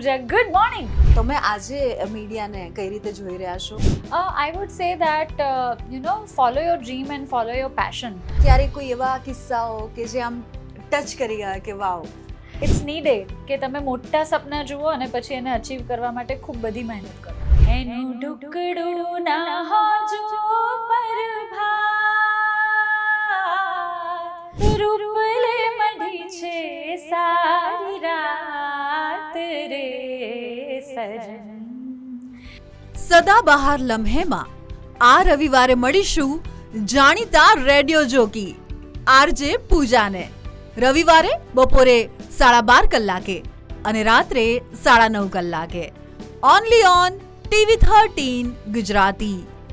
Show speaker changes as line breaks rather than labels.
પૂજા, good morning.
તમે આજે મીડિયાને કઈ રીતે જોઈ રહ્યા છો?
I would say that follow your dream and follow your passion.
ક્યારે કોઈ એવા કિસ્સાઓ કે જે આમ ટચ કરી ગયા કે વાવ?
It's needed કે તમે મોટા સપના જુઓ અને પછી એને અચીવ કરવા માટે ખૂબ બધી મહેનત કરો. એનું ઢુકડું ના હોજો પરભાત, રૂપલે મઢી છે સારી રાત રે સજન.
સદાબહાર લમ્હેમાં આ રવિવારે મળીશું જાણીતા રેડિયો જોકી આરજે પૂજાને. રવિવારે બપોરે 12:30 કલાકે અને રાત્રે 9:30 કલાકે. Only on TV 13 Gujarati.